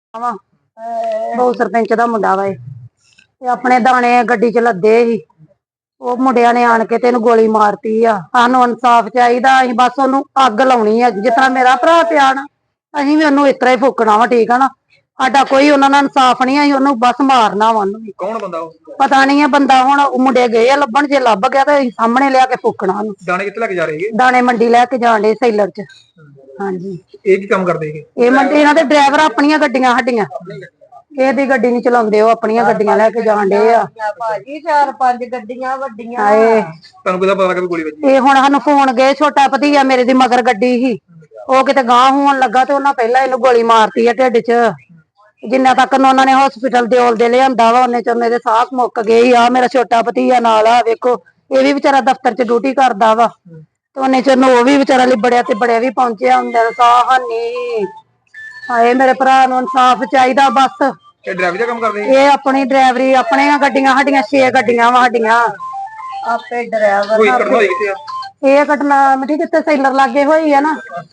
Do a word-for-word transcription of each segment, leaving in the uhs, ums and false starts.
ਵਾ ਬਹੁ ਸਰਪੰਚ ਦਾ ਮੁੰਡਾ ਵਾ ਇਹ ਤੇ ਆਪਣੇ ਦਾਣੇ ਗੱਡੀ ਚ ਲੱਦੇ ਸੀ। ਉਹ ਮੁੰਡਿਆਂ ਨੇ ਆਣ ਕੇ ਤੇ ਇਹਨੂੰ ਗੋਲੀ ਮਾਰਤੀ ਆ। ਸਾਨੂੰ ਇਨਸਾਫ ਚਾਹੀਦਾ। ਅਸੀਂ ਬਸ ਉਹਨੂੰ ਅੱਗ ਲਾਉਣੀ ਆ। ਜਿਸ ਤਰ੍ਹਾਂ ਮੇਰਾ ਭਰਾ ਪਿਆ ਨਾ, ਅਸੀਂ ਵੀ ਉਹਨੂੰ ਇਸ ਤਰ੍ਹਾਂ ਹੀ ਫੂਕਣਾ ਵਾ। ਠੀਕ ਆ ਨਾ, ਸਾਡਾ ਕੋਈ ਉਹਨਾਂ ਨਾਲ ਇਨਸਾਫ ਨਹੀਂ। ਅਸੀਂ ਉਹਨੂੰ ਬਸ ਮਾਰਨਾ ਵਾ। ਉਹਨੂੰ ਕੌਣ ਬੰਦਾ ਉਹ? ਪਤਾ ਨਹੀਂ ਆ ਬੰਦਾ। ਹੁਣ ਮੁੰਡੇ ਗਏ ਆ ਲੱਭਣ, ਜੇ ਲੱਭ ਗਿਆ ਤਾਂ ਅਸੀਂ ਸਾਹਮਣੇ ਲਿਆ ਕੇ ਫੂਕਣਾ ਉਹਨੂੰ। ਦਾਣੇ ਕਿੱਥੇ ਲੈ ਕੇ ਜਾ ਰਹੇ ਹੈਗੇ? ਦਾਣੇ ਮੰਡੀ ਲੈ ਕੇ ਜਾਣ ਡੇ ਸੈਲਰ ਚ। ਹਾਂਜੀ। ਇਹ ਕੀ ਕੰਮ ਕਰਦੇ ਹੈਗੇ? ਇਹ ਮੰਡੀ ਇਹਨਾਂ ਦੇ ਡਰਾਈਵਰ ਆਪਣੀਆਂ ਗੱਡੀਆਂ ਸਾਡੀਆਂ, ਇਹਦੀ ਗੱਡੀ ਨਹੀਂ ਚਲਾਉਂਦੇ। ਉਹ ਆਪਣੀਆਂ ਗੱਡੀਆਂ ਲੈ ਕੇ ਜਾਣ ਡੇ ਆ ਭਾਜੀ। ਚਾਰ ਪੰਜ ਗੱਡੀਆਂ ਵੱਡੀਆਂ। ਹਾਏ, ਤੁਹਾਨੂੰ ਕਿਹਦਾ ਪਤਾ ਲੱਗਾ ਵੀ ਗੋਲੀ ਵੱਜੀ? ਇਹ ਹੁਣ ਸਾਨੂੰ ਫੋਨ ਗਏ। ਛੋਟਾ ਭਤੀਆ ਮੇਰੇ ਦੀ ਮਗਰ ਗੱਡੀ ਸੀ, ਉਹ ਕਿਤੇ ਗਾਂਹ ਹੋਣ ਲੱਗਾ ਤੇ ਉਹਨਾਂ ਪਹਿਲਾਂ ਇਹਨੂੰ ਗੋਲੀ ਮਾਰਤੀ ਆ ਢਿੱਡ ਚ। ਜਿੰਨਾ ਤੱਕ ਉਹਨਾਂ ਨੇ ਹਸਪੀਟਲ ਦੇ ਔਲ ਦੇ ਲਿਆਂਦਾ ਵਾ, ਉਹਨੇ ਚ ਮੇਰੇ ਸਾਹ ਮੁੱਕ ਗਏ ਆ। ਮੇਰਾ ਛੋਟਾ ਭਤੀਆ ਨਾਲ ਆ, ਵੇਖੋ ਇਹ ਵੀ ਵਿਚਾਰਾ ਦਫ਼ਤਰ ਚ ਡਿਊਟੀ ਕਰਦਾ ਵਾ ਤੇ ਉਹਨੇ ਚ ਉਹ ਵੀ ਵਿਚਾਰਾ ਲਿਬੜਿਆ ਤੇ ਬੜਿਆ ਵੀ ਪਹੁੰਚਿਆ ਹੁੰਦਾ। ਸਾਹ ਹਾਨੀ। ਹਾਏ, ਮੇਰੇ ਭਰਾ ਨੂੰ ਇਨਸਾਫ ਚਾਹੀਦਾ ਬਸ। ਇਹ ਡਰਾਈਵਰ ਦਾ ਕੰਮ ਕਰਦੇ? ਇਹ ਆਪਣੀ ਡਰਾਈਵਰੀ, ਆਪਣੀਆਂ ਗੱਡੀਆਂ ਸਾਡੀਆਂ ਛੇ ਗੱਡੀਆਂ ਵਾ ਸਾਡੀਆਂ। ਆਪੇ ਡਰਾਈਵਰ ਕੋਈ ਘਟਨਾ ਹੋਈ ਕਿੱਥੇ ਆ? ਇਹ ਘਟਨਾ ਮਿੱਟੀ ਕਿਤੇ ਸੈਲਰ ਲਾਗੇ ਹੋਈ ਆ ਨਾ,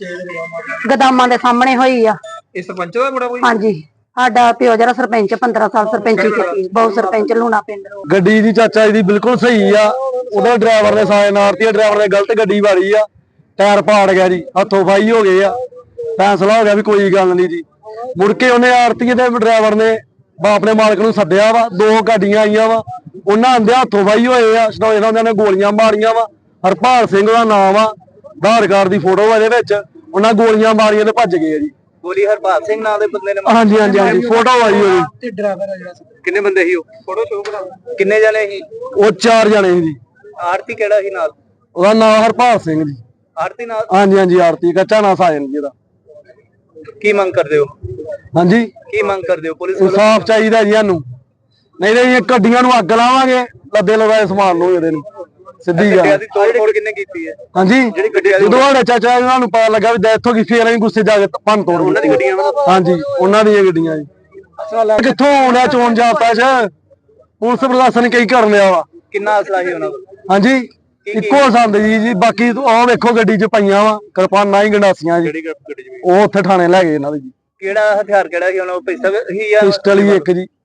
ਗਦਾਮਾਂ ਦੇ ਸਾਹਮਣੇ ਹੋਈ ਆ। ਇਹ ਸਰਪੰਚ ਦਾ ਮੁੰਡਾ ਕੋਈ? ਹਾਂਜੀ, ਸਾਡਾ ਪਿਓ ਜਿਹੜਾ ਸਰਪੰਚ ਪੰਦਰਾਂ ਸਾਲ ਸਰਪੰਚੀ ਕੀਤੀ। ਬਹੁਤ ਸਰਪੰਚ ਲੂਣਾ ਪਿੰਡ। ਗੱਡੀ ਦੀ ਚਾਚਾ ਜੀ ਬਿਲਕੁਲ ਸਹੀ ਆ। ਉਹਦਾ ਡਰਾਈਵਰ ਨੇ ਸਾਇਨ ਮਾਰਤੀ ਆ। ਡਰਾਈਵਰ ਨੇ ਗਲਤ ਗੱਡੀ ਵਾਰੀ ਆ, ਟਾਇਰ ਪਾੜ ਗਿਆ ਜੀ, ਹੱਥੋਂ ਫਾਈ ਹੋ ਗਏ ਆ। ਫੈਸਲਾ ਹੋ ਗਿਆ ਵੀ ਕੋਈ ਗੱਲ ਨਹੀਂ ਜੀ। ਮੁੜ ਕੇ ਉਹਨੇ ਆਰਤੀ ਦੇ ਡਰਾਈਵਰ ਨੇ ਬਾਪ ਨੇ ਮਾਲਕ ਨੂੰ ਸੱਦਿਆ ਵਾ। ਦੋ ਗੱਡੀਆਂ ਆਈਆਂ ਵਾ, ਉਹਨਾਂ ਆਂਦੇ ਹੱਥੋਂ ਫਾਈ ਹੋਏ ਆ। ਸਟੋਏ ਉਹਨਾਂ ਨੇ ਗੋਲੀਆਂ ਮਾਰੀਆਂ ਵਾ। ਹਰਪਾਲ ਸਿੰਘ ਦਾ ਨਾਮ ਆ, ਆਧਾਰ ਕਾਰਡ ਦੀ ਫੋਟੋ ਇਹਦੇ ਵਿੱਚ। ਉਹਨਾਂ ਗੋਲੀਆਂ ਮਾਰੀਆਂ ਤੇ ਭੱਜ ਗਏ ਆ ਜੀ। ਗੋਲੀ ਹਰਪਾਲ ਸਿੰਘ ਨਾਂ ਦੇ ਬੰਦੇ ਨੇ? ਹਾਂਜੀ ਹਾਂਜੀ ਹਾਂਜੀ, ਫੋਟੋ ਆਈ ਹੋਈ। ਤੇ ਡਰਾਈਵਰ ਆ ਜਿਹੜਾ, ਕਿੰਨੇ ਬੰਦੇ ਸੀ ਉਹ? ਫੋਟੋ ਸ਼ੋ ਕਰਾ। ਕਿੰਨੇ ਜਣੇ ਸੀ ਉਹ? ਚਾਰ ਜਣੇ ਸੀ ਜੀ। ਆਰਤੀ ਕਿਹੜਾ ਸੀ ਨਾਲ? ਉਹਦਾ ਨਾਮ ਹਰਪਾਲ ਸਿੰਘ ਜੀ। ਆਰਤੀ ਨਾਲ? ਹਾਂਜੀ ਹਾਂਜੀ, ਆਰਤੀ ਕੱਚਾ ਨਾ ਸਾਜਨ ਜੀ ਦਾ। ਕੀ ਮੰਗ ਕਰਦੇ ਹੋ? ਹਾਂਜੀ, ਕੀ ਮੰਗ ਕਰਦੇ ਹੋ? ਪੁਲਿਸ ਵੱਲੋਂ ਇਨਸਾਫ ਚਾਹੀਦਾ ਜੀ ਸਾਨੂੰ। ਨਹੀਂ ਤਾਂ ਇਹ ਗੱਡੀਆਂ ਨੂੰ ਅੱਗ ਲਾਵਾਂਗੇ, ਲੱਦੇ ਲਗਾਏ ਸਮਾਨ ਨੂੰ ਇਹਦੇ ਨੂੰ। ਸਿੱਧੀ ਗੱਲ। ਗੱਡੀਆਂ ਦੀ ਤੋੜ ਫੋੜ ਕਿੰਨੇ ਕੀਤੀ ਹੈ? ਹਾਂਜੀ, ਜਿਹੜੀ ਗੱਡੀਆਂ ਦੀ ਜਦੋਂ ਸਾਡੇ ਚਾਚਾ ਇਹਨਾਂ ਨੂੰ ਪਤਾ ਲੱਗਾ ਵੀ ਡੈਥ ਹੋ ਗਈ, ਫੇਰ ਅਸੀਂ ਗੁੱਸੇ ਜਾ ਕੇ ਭੰਨ ਤੋੜ ਉਹਨਾਂ ਦੀ ਗੱਡੀਆਂ? ਹਾਂਜੀ, ਉਹਨਾਂ ਦੀਆਂ ਗੱਡੀਆਂ ਜੀ। ਕਿੱਥੋਂ ਆਉਣਾ ਚੋਣ ਜਾਪਦਾ ਚ? ਪੁਲਿਸ ਪ੍ਰਸ਼ਾਸਨ ਨੇ ਕਈ ਕਰ ਲਿਆ ਵਾ। ਕਿੰਨਾ ਅਸਲਾ ਸੀ ਉਹਨਾਂ ਕੋਲ? ਹਾਂਜੀ, ਇੱਕੋ ਸੰਦ ਜੀ ਜੀ। ਬਾਕੀ ਉਹ ਵੇਖੋ ਗੱਡੀ ਚ ਪਈਆਂ ਵਾ ਕਿਰਪਾਨਾਂ ਹੀ ਗੰਡਾਸੀਆਂ ਜੀ। ਜਿਹੜੀ ਗੱਡੀ ਚ? ਉਹ ਉੱਥੇ ਥਾਣੇ ਲੈ ਗਏ ਇਹਨਾਂ ਦੇ ਜੀ। ਕਿਹੜਾ ਹਥਿਆਰ ਕਿਹੜਾ ਸੀ ਉਹਨਾਂ ਕੋਲ? ਪਿਸਤਲ ਸੀ ਜਾਂ ਪਿਸਟਲ ਹੀ ਇੱਕ ਜੀ।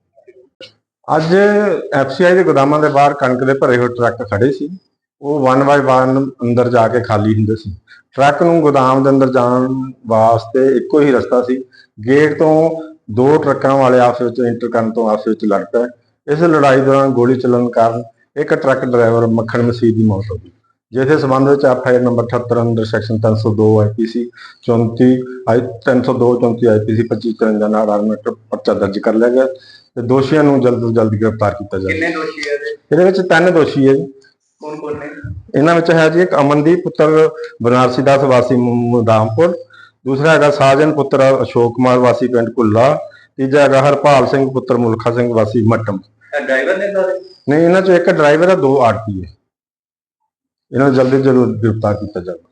ਅੱਜ ਐਫਸੀਆਈ ਦੇ ਗੋਦਾਮਾਂ ਦੇ ਬਾਹਰ ਕਣਕ ਦੇ ਭਰੇ ਹੋਏ ਟਰੱਕ ਖੜੇ ਸੀ। ਉਹ ਵਨ ਬਾਏ ਵਨ ਅੰਦਰ ਜਾ ਕੇ ਖਾਲੀ ਹੁੰਦੇ ਸੀ। ਟਰੱਕ ਨੂੰ ਗੋਦਾਮ ਦੇ ਅੰਦਰ ਜਾਣ ਵਾਸਤੇ ਇੱਕੋ ਹੀ ਰਸਤਾ ਸੀ। ਗੇਟ ਤੋਂ ਦੋ ਟਰੱਕਾਂ ਵਾਲੇ ਆਪਸ ਵਿੱਚ ਇੰਟਰ ਕਰਨ ਤੋਂ ਆਪਸ ਵਿੱਚ ਲੜ ਪਏ। ਇਸ ਲੜਾਈ ਦੌਰਾਨ ਗੋਲੀ ਚੱਲਣ ਕਾਰਨ ਇੱਕ ਟਰੱਕ ਡਰਾਈਵਰ ਮੱਖਣ ਮਸੀਹ ਦੀ ਮੌਤ ਹੋ ਗਈ, ਜਿਸ ਦੇ ਸੰਬੰਧ ਵਿੱਚ ਐਫ ਆਈ ਆਰ ਨੰਬਰ ਅਠੱਤਰ ਅੰਦਰ ਸੈਕਸ਼ਨ ਤਿੰਨ ਸੌ ਦੋ ਆਈ ਪੀ ਸੀ ਚੌਂਤੀ ਆਈ ਤਿੰਨ ਸੌ ਦੋ ਚੌਂਤੀ ਆਈ ਪੀ ਸੀ ਪੱਚੀ ਚੁਰੰਜਾ ਨਾਲ ਆਰਮੇਟ ਪਰਚਾ ਦਰਜ ਕਰ ਲਿਆ ਗਿਆ ਤੇ ਦੋਸ਼ੀਆਂ ਨੂੰ ਜਲਦ ਤੋਂ ਜਲਦ ਗ੍ਰਿਫਤਾਰ ਕੀਤਾ ਜਾਵੇ। ਕਿੰਨੇ ਦੋਸ਼ੀ ਹੈ ਇਹਦੇ? ਇਹਦੇ ਵਿੱਚ ਤਿੰਨ ਦੋਸ਼ੀ ਹੈ ਜੀ। ਕੌਣ ਕੌਣ ਨੇ? ਇਹਨਾਂ ਵਿੱਚ ਹੈ ਜੀ ਇੱਕ ਅਮਨਦੀਪ ਪੁੱਤਰ ਬਨਾਰਸੀ ਦਾਸ ਵਾਸੀ ਮੁਦਾਮਪੁਰ, ਦੂਸਰਾ ਹੈਗਾ ਸਾਜਨ ਪੁੱਤਰ ਅਸ਼ੋਕ ਕੁਮਾਰ ਵਾਸੀ ਪਿੰਡ ਕੁੱਲਾ, ਤੀਜਾ ਹੈਗਾ ਹਰਪਾਲ ਸਿੰਘ ਪੁੱਤਰ ਮੁਲਖਾ ਸਿੰਘ ਵਾਸੀ ਮੱਟਮ। ਡਰਾਈਵਰ ਨੇ ਸਾਰੇ? ਨਹੀਂ, ਇਹਨਾਂ ਚੋਂ ਇੱਕ ਡਰਾਈਵਰ ਹੈ, ਦੋ ਆਰਪੀ ਹੈ। ਇਹਨਾਂ ਨੂੰ ਜਲਦੀ ਜਲਦ ਗ੍ਰਿਫਤਾਰ ਕੀਤਾ ਜਾਵੇ।